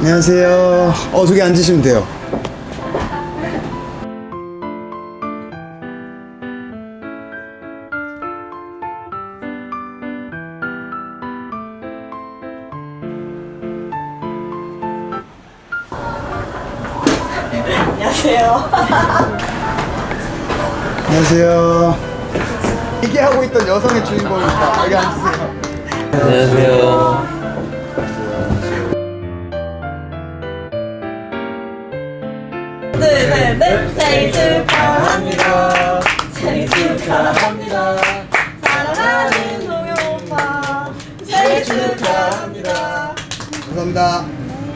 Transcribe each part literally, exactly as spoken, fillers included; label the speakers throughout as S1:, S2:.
S1: 안녕하세요. 어, 저기 앉으시면 돼요.
S2: 안녕하세요.
S1: 안녕하세요. 얘기하고 있던 여성의 주인공입니다. 여기 앉으세요.
S3: 안녕하세요.
S2: 둘, 셋, 넷. 생일 축하합니다. 생일 축하합니다. 사랑하는 동영 오빠. 생일 축하합니다.
S1: 감사합니다.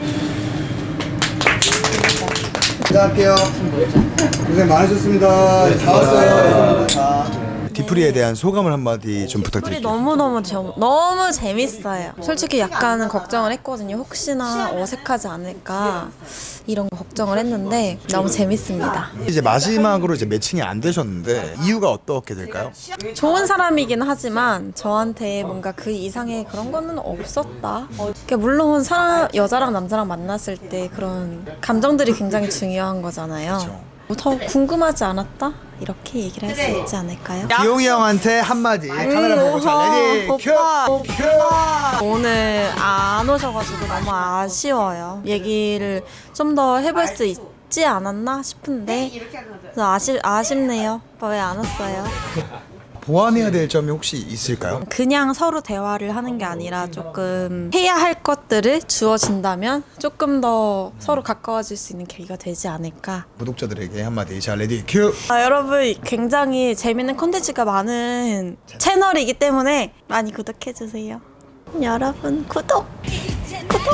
S1: 인사할게요. 고생 많으셨습니다. 다 왔어요. 다. 디프리에 대한 소감을 한마디 좀
S4: 우리
S1: 부탁드릴게요.
S4: 너무너무 저, 너무 재밌어요. 솔직히 약간은 걱정을 했거든요. 혹시나 어색하지 않을까 이런 거 걱정을 했는데 너무 재밌습니다.
S1: 이제 마지막으로 이제 매칭이 안 되셨는데 이유가 어떻게 될까요?
S4: 좋은 사람이긴 하지만 저한테 뭔가 그 이상의 그런 거는 없었다. 그러니까 물론 사람, 여자랑 남자랑 만났을 때 그런 감정들이 굉장히 중요한 거잖아요. 더 궁금하지 않았다? 이렇게 얘기를 할 수 있지 않을까요?
S1: 기용이 형한테 한마디. 카메라 보고 자, 레디 큐!
S4: 오빠 오늘 안 오셔가지고 너무 아쉬워요. 얘기를 좀 더 해볼 수 있지 않았나 싶은데 그래서 아쉽, 아쉽네요. 오빠 왜 안 왔어요?
S1: 보완해야 될 점이 혹시 있을까요?
S4: 그냥 서로 대화를 하는 게 아니라 조금 해야 할 것들을 주어진다면 조금 더 서로 가까워질 수 있는 계기가 되지 않을까.
S1: 구독자들에게 한마디. 자, 레디 큐!
S4: 아, 여러분 굉장히 재밌는 콘텐츠가 많은 채널이기 때문에 많이 구독해주세요. 여러분 구독! 구독!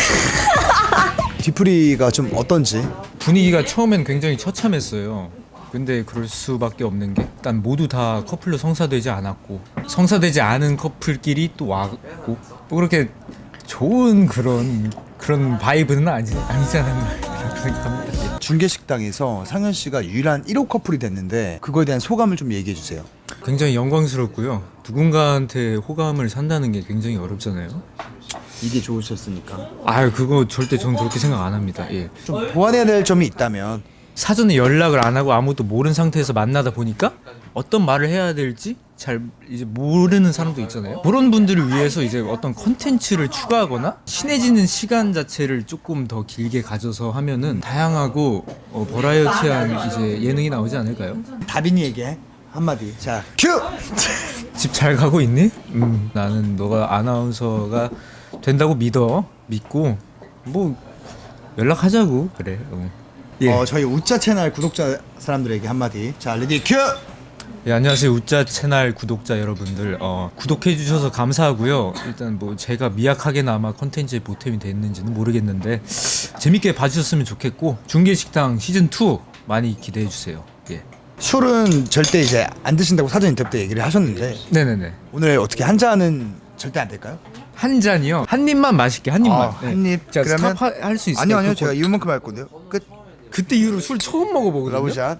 S1: 디프리가 좀 어떤지?
S5: 분위기가 처음엔 굉장히 처참했어요. 근데 그럴 수밖에 없는 게 일단 모두 다 커플로 성사되지 않았고 성사되지 않은 커플끼리 또 왔고 뭐 그렇게 좋은 그런 그런 바이브는 아니, 아니지 않았나 이렇게 생각합니다.
S1: 중계식당에서 상현 씨가 유일한 일 호 커플이 됐는데 그거에 대한 소감을 좀 얘기해 주세요.
S5: 굉장히 영광스럽고요. 누군가한테 호감을 산다는 게 굉장히 어렵잖아요.
S1: 이게 좋으셨으니까.
S5: 아유 그거 절대 저는 그렇게 생각 안 합니다. 예.
S1: 좀 보완해야 될 점이 있다면
S5: 사전에 연락을 안 하고 아무것도 모르는 상태에서 만나다 보니까 어떤 말을 해야 될지 잘 이제 모르는 사람도 있잖아요. 그런 분들을 위해서 이제 어떤 컨텐츠를 추가하거나 친해지는 시간 자체를 조금 더 길게 가져서 하면은 다양하고 어, 버라이어티한 이제 예능이 나오지 않을까요?
S1: 다빈이에게 한마디. 자, 큐!
S5: 집 잘 가고 있니? 음, 나는 너가 아나운서가 된다고 믿어. 믿고 뭐 연락하자고 그래. 어. 예.
S1: 어, 저희 우짜 채널 구독자 사람들에게 한마디. 자, 레디 큐!
S5: 예, 안녕하세요. 우짜 채널 구독자 여러분들. 어, 구독해 주셔서 감사하고요. 일단 뭐 제가 미약하게나마 컨텐츠에 보탬이 됐는지는 모르겠는데 재밌게 봐주셨으면 좋겠고 중계식당 시즌 투 많이 기대해 주세요. 예.
S1: 술은 절대 이제 안 드신다고 사전 인터뷰 때 얘기를 하셨는데
S5: 네네네.
S1: 오늘 어떻게 한 잔은 절대 안 될까요?
S5: 한 잔이요. 한 입만 마실게. 한 입만.
S1: 아, 한 입.
S5: 자,
S1: 그러면-
S5: 스탑 할 수 있어요?
S1: 아니요, 아니요.
S5: 그거-
S1: 제가 이만큼 할 건데요. 끝.
S5: 그때 이후로 술 처음 먹어보거든요.
S1: 러브샷.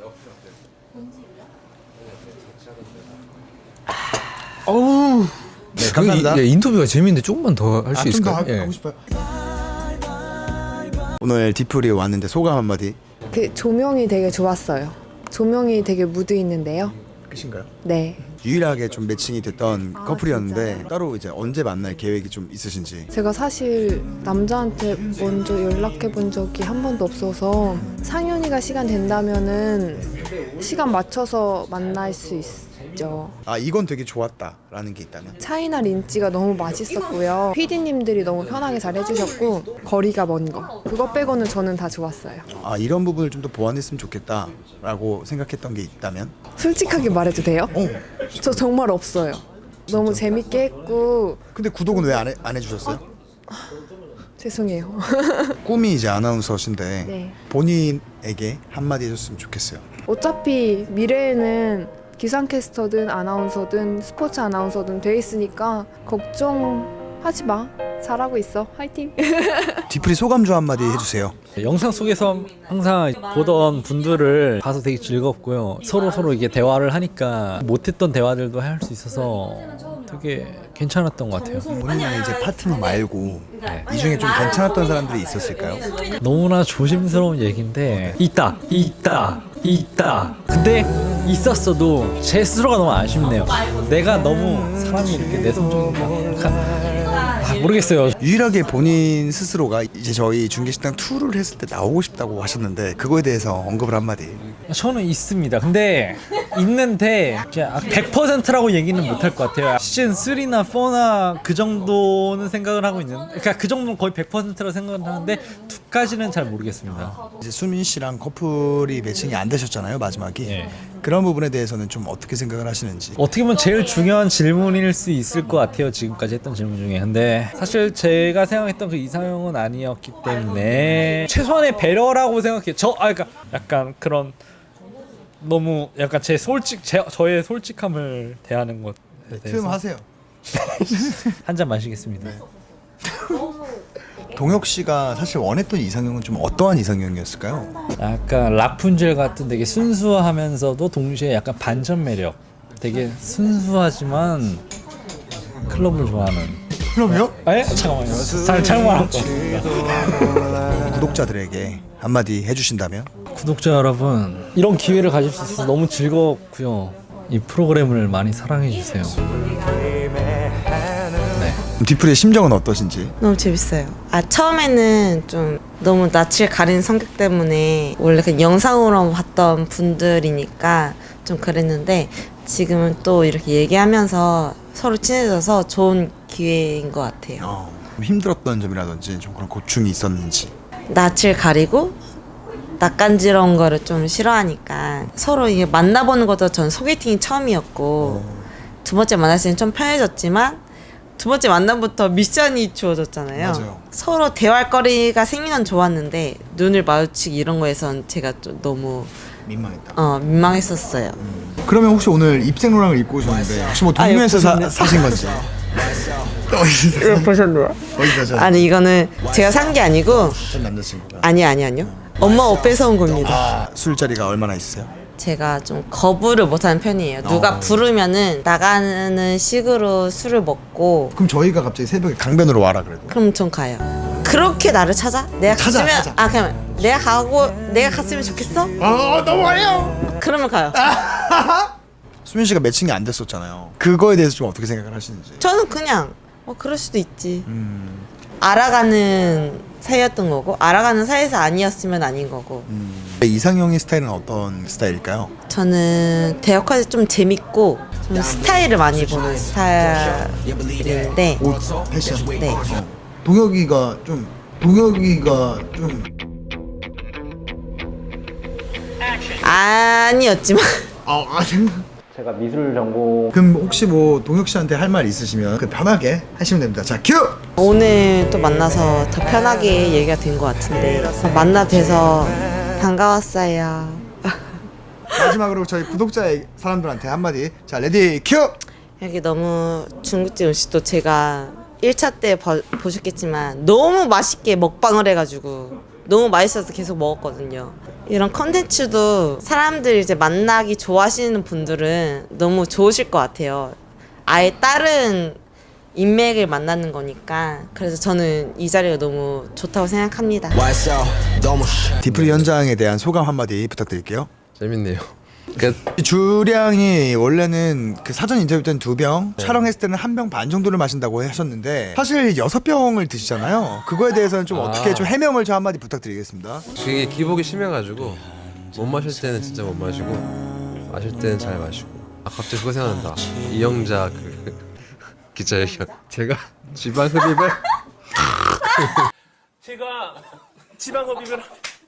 S5: 어우.
S1: 네, 감사합니다.
S5: 그, 예, 인터뷰가 재밌는데 조금만 더 할 수
S1: 아, 좀
S5: 있을까요?
S1: 더
S5: 예.
S1: 하고 싶어요. 오늘 디프리 왔는데 소감 한마디.
S6: 그 조명이 되게 좋았어요. 조명이 되게 무드 있는데요.
S1: 끝인가요?
S6: 네.
S1: 유일하게 좀 매칭이 됐던
S6: 아,
S1: 커플이었는데
S6: 진짜요?
S1: 따로 이제 언제 만날 계획이 좀 있으신지.
S6: 제가 사실 남자한테 먼저 연락해 본 적이 한 번도 없어서 상현이가 시간 된다면은 시간 맞춰서 만날 수 있죠.
S1: 아, 이건 되게 좋았다라는 게 있다면.
S6: 차이나 린찌가 너무 맛있었고요. 피디님들이 너무 편하게 잘 해주셨고 거리가 먼 거. 그거 빼고는 저는 다 좋았어요.
S1: 아, 이런 부분을 좀 더 보완했으면 좋겠다라고 생각했던 게 있다면.
S6: 솔직하게 말해도 돼요?
S1: 어.
S6: 저 정말 없어요. 너무 재밌게 했고
S1: 근데 구독은 왜 안 해, 안 해주셨어요?
S6: 죄송해요.
S1: 꿈이 이제 아나운서신데
S6: 네.
S1: 본인에게 한마디 해줬으면 좋겠어요.
S6: 어차피 미래에는 기상캐스터든 아나운서든 스포츠 아나운서든 돼 있으니까 걱정하지 마. 잘하고 있어. 화이팅.
S1: 뒤풀이 소감 좀 한마디 해주세요.
S7: 영상 속에서 항상 보던 분들을 봐서 되게 즐겁고요. 서로 서로 이게 대화를 하니까 못했던 대화들도 할 수 있어서 되게 괜찮았던 것 같아요.
S1: 본인의 이제 파트너 말고 이 중에 좀 괜찮았던 사람들이 있었을까요?
S7: 너무나 조심스러운 얘기인데 있다, 있다, 있다. 근데 있었어도 제 스스로가 너무 아쉽네요. 내가 너무 사람이 이렇게 내성적인가? 아, 모르겠어요.
S1: 유일하게 본인 스스로가 이제 저희 중계식당 이를 했을 때 나오고 싶다고 하셨는데 그거에 대해서 언급을 한마디.
S7: 저는 있습니다. 근데 있는데 백 퍼센트라고 얘기는 못할 것 같아요. 시즌 삼이나 사나 그 정도는 생각을 하고 있는. 그러니까 그 정도는 거의 백 퍼센트라고 생각을 하는데 이까지는 잘 모르겠습니다.
S1: 이제 수민 씨랑 커플이 매칭이 안 되셨잖아요, 마지막이.
S7: 예.
S1: 그런 부분에 대해서는 좀 어떻게 생각을 하시는지.
S7: 어떻게 보면 제일 중요한 질문일 수 있을 것 같아요. 지금까지 했던 질문 중에. 근데 사실 제가 생각했던 그 이상형은 아니었기 때문에 최소한의 배려라고 생각해요. 저 아 그러니까 약간 그런 너무 약간 제 솔직 제 저의 솔직함을 대하는 것에
S1: 틈
S7: 대해서
S1: 하세요.
S7: 한 잔 마시겠습니다.
S1: 동혁 씨가 사실 원했던 이상형은 좀 어떠한 이상형이었을까요?
S7: 약간 라푼젤 같은 되게 순수하면서도 동시에 약간 반전 매력. 되게 순수하지만 클럽을 좋아하는.
S1: 그럼요?
S7: 에? 잠깐만요. 잘 잘못 말한 것 같습니다.
S1: 구독자들에게 한마디 해주신다면?
S7: 구독자 여러분, 이런 기회를 가질 수 있어서 너무 즐겁고요. 이 프로그램을 많이 사랑해 주세요.
S1: 뒤풀이의 심정은 어떠신지?
S2: 너무 재밌어요. 아 처음에는 좀 너무 낯을 가리는 성격 때문에 원래 그냥 영상으로 봤던 분들이니까 좀 그랬는데 지금은 또 이렇게 얘기하면서 서로 친해져서 좋은 기회인 것 같아요.
S1: 어, 힘들었던 점이라든지 좀 그런 고충이 있었는지.
S2: 낯을 가리고 낯간지러운 거를 좀 싫어하니까 서로 이게 만나보는 것도 전 소개팅이 처음이었고 두 번째 만났을 때는 좀 편해졌지만 두 번째 만남부터 미션이 주어졌잖아요.
S1: 맞아요.
S2: 서로 대화할 거리가 생기면 건 좋았는데 눈을 마주치기 이런 거에선 제가 좀 너무
S1: 민망했다.
S2: 어, 민망했었어요.
S1: 그러면 혹시 오늘 입생로랑을 입고 오셨는데 혹시 뭐 동묘에서 사, 사신 건지? 어디서
S2: 보셨나요?
S1: 어디서 사셨어요?
S2: 아니 이거는 제가 산 게 아니고
S1: 전 남자친구가.
S2: 아니 아니 아니요. 엄마 옷 뺏어온 겁니다.
S1: 아, 술자리가 얼마나 있으세요?
S2: 제가 좀 거부를 못하는 편이에요. 누가
S1: 어.
S2: 부르면은 나가는 식으로 술을 먹고
S1: 그럼 저희가 갑자기 새벽에 강변으로 와라 그래도.
S2: 그럼 전 가요. 그렇게 나를 찾아? 내가
S1: 찾아,
S2: 갔으면
S1: 찾아.
S2: 아 그냥 내가 가고 내가 갔으면 좋겠어?
S1: 아 너무 어려워.
S2: 그러면 가요.
S1: 수민 씨가 매칭이 안 됐었잖아요. 그거에 대해서 좀 어떻게 생각을 하시는지.
S2: 저는 그냥 어 그럴 수도 있지.
S1: 음,
S2: 알아가는 사이였던 거고 알아가는 사이에서 아니었으면 아닌 거고.
S1: 음. 이상형의 스타일은 어떤 스타일일까요?
S2: 저는 대역할때 좀 재밌고 좀 스타일을 많이 보는 스타일인데
S1: 옷, 패션.
S2: 네.
S1: 동혁이가 좀 동혁이가 좀
S2: 아니었지만
S1: 아, 아 생각.
S7: 제가 미술 전공
S1: 그럼 혹시 뭐 동혁 씨한테 할 말 있으시면 그 편하게 하시면 됩니다. 자, 큐.
S2: 오늘 또 만나서 더 편하게 얘기가 된 것 같은데 만나 뵈서 반가웠어요.
S1: 마지막으로 저희 구독자 사람들한테 한마디. 자, 레디 큐.
S2: 여기 너무 중국집 음식도 제가 일 차 때 버- 보셨겠지만 너무 맛있게 먹방을 해가지고 너무 맛있어서 계속 먹었거든요. 이런 컨텐츠도 사람들 이제 만나기 좋아하시는 분들은 너무 좋으실 것 같아요. 아예 다른 인맥을 만나는 거니까 그래서 저는 이 자리가 너무 좋다고 생각합니다.
S1: 디프리 현장에 대한 소감 한마디 부탁드릴게요.
S3: 재밌네요. 그
S1: 이 주량이 원래는 그 사전 인터뷰 때는 두 병, 촬영했을 때는 한 병 반 정도를 마신다고 하셨는데 사실 여섯 병을 드시잖아요. 그거에 대해서는 좀
S3: 아.
S1: 어떻게 좀 해명을 좀 한마디 부탁드리겠습니다.
S3: 그게 기복이 심해가지고 못 마실 때는 진짜 못 마시고 마실 때는 잘 마시고. 아 갑자기 그거 생각난다. 이영자 그 기자회견. 제가 지방 흡입을
S8: 제가 지방 흡입을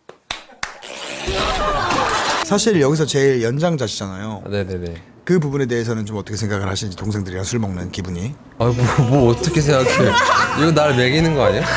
S1: 사실 여기서 제일 연장자시잖아요.
S3: 아, 네네네.
S1: 그 부분에 대해서는 좀 어떻게 생각을 하시는지 동생들이랑 술 먹는 기분이.
S3: 아뭐 뭐 어떻게 생각해? 이거 나를 매기는 거 아니야?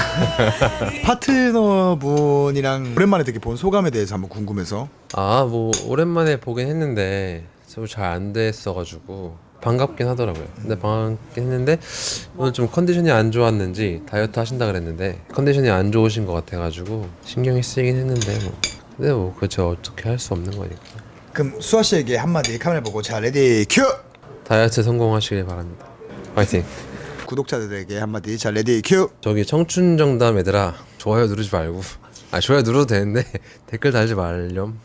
S1: 파트너분이랑 오랜만에 되게 본 소감에 대해서 한번 궁금해서.
S3: 아 뭐 오랜만에 보긴 했는데 서로 잘 안 됐어가지고 반갑긴 하더라고요. 근데 반갑긴 했는데 오늘 좀 컨디션이 안 좋았는지 다이어트 하신다 그랬는데 컨디션이 안 좋으신 것 같아가지고 신경이 쓰이긴 했는데 뭐 근데 뭐 그저 어떻게 할 수 없는 거니까.
S1: 그럼 수아 씨에게 한마디 카메라 보고 자 레디 큐.
S3: 다이어트 성공하시길 바랍니다. 파이팅.
S1: 구독자들에게 한마디 자 레디 큐.
S3: 저기 청춘 정담 얘들아 좋아요 누르지 말고 아 좋아요 눌러도 되는데 댓글 달지 말렴.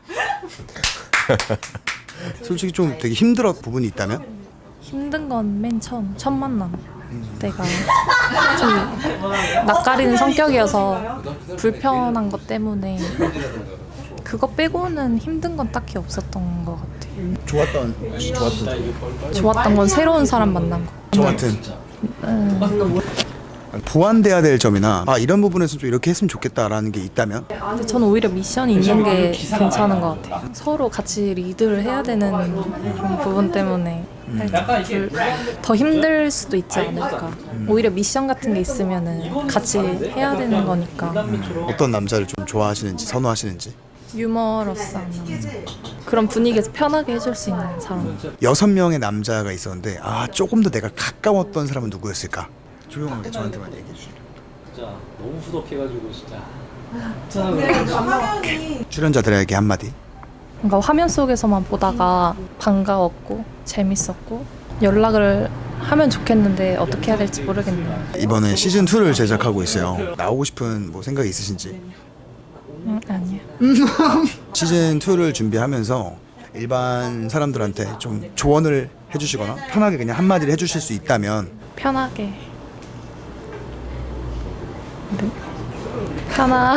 S1: 솔직히 좀 되게 힘들었 부분이 있다면?
S9: 힘든 건 맨 처음 첫 만남 때가 좀 낯가리는 성격이어서 불편한 것 때문에 그거 빼고는 힘든 건 딱히 없었던 것 같아요.
S1: 좋았던 좋았던
S9: 좋았던 건 새로운 사람 만난 거.
S1: 저 같은 보완돼야 될 점이나 아 이런 부분에서 좀 이렇게 했으면 좋겠다라는 게 있다면?
S9: 근데 저는 오히려 미션이 있는 게 괜찮은 것 같아요. 서로 같이 리드를 해야 되는 그런 부분 때문에 살짝 불- 더 힘들 수도 있지 않을까. 오히려 미션 같은 게 있으면은 같이 해야 되는 거니까.
S1: 어떤 남자를 좀 좋아하시는지 선호하시는지?
S9: 유머러스한 남자. 그런 분위기에서 편하게 해줄 수 있는 사람.
S1: 여섯 명의 남자가 있었는데 아 조금 더 내가 가까웠던 사람은 누구였을까? 조용하게 저한테만 얘기해 주시죠.
S7: 진짜 너무 후덕해가지고 진짜.
S1: 출연자들에게 한마디.
S9: 뭔가 화면 속에서만 보다가 반가웠고 재밌었고 연락을 하면 좋겠는데 어떻게 해야 될지 모르겠네요.
S1: 이번에 시즌 투를 제작하고 있어요. 나오고 싶은 뭐 생각이 있으신지?
S9: 음, 아니요.
S1: 시즌 투를 준비하면서 일반 사람들한테 좀 조언을 해주시거나 편하게 그냥 한마디를 해주실 수 있다면
S9: 편하게. 네. 편하.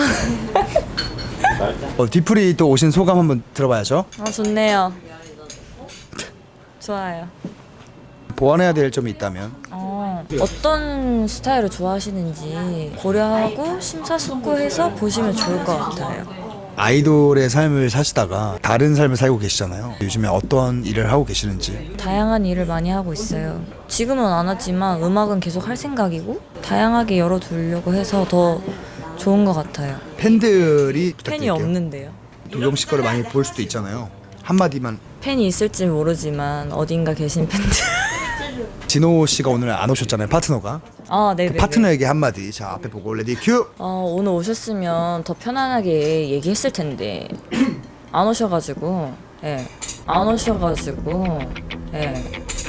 S1: 어, 디프리 또 오신 소감 한번 들어봐야죠.
S2: 아 좋네요. 좋아요.
S1: 보완해야 될 점이 있다면
S10: 어, 어떤 스타일을 좋아하시는지 고려하고 심사숙고해서 보시면 좋을 것 같아요.
S1: 아이돌의 삶을 사시다가 다른 삶을 살고 계시잖아요. 요즘에 어떤 일을 하고 계시는지.
S10: 다양한 일을 많이 하고 있어요. 지금은 안 하지만 음악은 계속 할 생각이고 다양하게 열어두려고 해서 더 좋은 것 같아요.
S1: 팬들이
S10: 팬이
S1: 부탁드릴게요.
S10: 없는데요.
S1: 도경 씨 거를 많이 볼 수도 있잖아요. 한마디만.
S10: 팬이 있을지 모르지만 어딘가 계신 팬들.
S1: 진호 씨가 오늘 안 오셨잖아요. 파트너가.
S10: 아, 네.
S1: 그 파트너에게 한마디. 자 앞에 보고 레디 큐.
S10: 어, 오늘 오셨으면 더 편안하게 얘기했을 텐데 안 오셔가지고, 예, 안 오셔가지고, 예,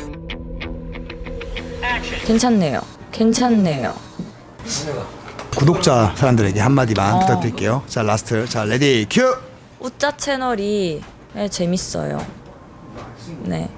S10: 괜찮네요. 괜찮네요.
S1: 구독자 사람들에게 한마디만
S10: 어.
S1: 부탁드릴게요. 자 라스트. 자 레디 큐.
S10: 우짜 채널이 예, 재밌어요. 네.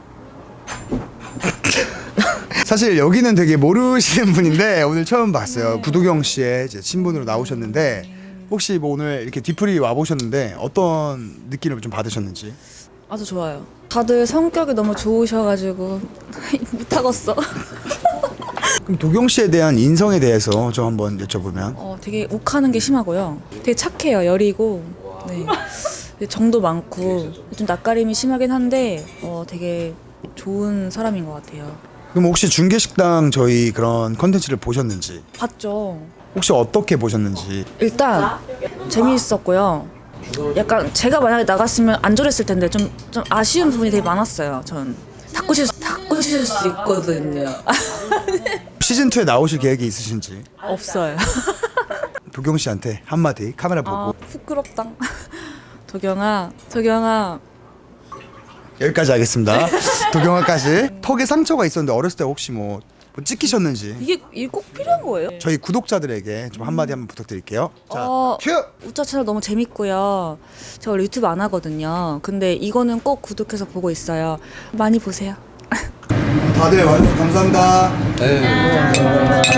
S1: 사실 여기는 되게 모르시는 분인데 오늘 처음 봤어요. 구도경 씨의 이제 친분으로 나오셨는데 혹시 뭐 오늘 이렇게 뒤풀이 와 보셨는데 어떤 느낌을 좀 받으셨는지?
S11: 아주 좋아요. 다들 성격이 너무 좋으셔가지고 못하겠어.
S1: 그럼 도경 씨에 대한 인성에 대해서 좀 한번 여쭤보면.
S11: 어, 되게 욱하는 게 심하고요. 되게 착해요. 여리고. 네. 정도 많고 좀 낯가림이 심하긴 한데 어, 되게 좋은 사람인 것 같아요.
S1: 그럼 혹시 중계식당 저희 그런 컨텐츠를 보셨는지?
S11: 봤죠.
S1: 혹시 어떻게 보셨는지?
S11: 일단 재미있었고요. 약간 제가 만약에 나갔으면 안 저랬을 텐데 좀, 좀 아쉬운 부분이 되게 많았어요. 전 닦으실, 닦으실 수 있거든요.
S1: 시즌투에 나오실 계획이 있으신지?
S11: 없어요.
S1: 도경 씨한테 한마디 카메라 보고.
S11: 아, 부끄럽다. 도경아, 도경아.
S1: 여기까지 하겠습니다. 도경아까지. 턱에 상처가 있었는데 어렸을 때 혹시 뭐, 뭐 찍히셨는지?
S11: 이게, 이게 꼭 필요한 거예요?
S1: 저희 구독자들에게 좀 한마디 한번 부탁드릴게요. 자,
S11: 어,
S1: 큐!
S11: 우짜 채널 너무 재밌고요. 제가 원래 유튜브 안 하거든요. 근데 이거는 꼭 구독해서 보고 있어요. 많이 보세요.
S1: 다들 와주셔서 감사합니다.
S3: 네.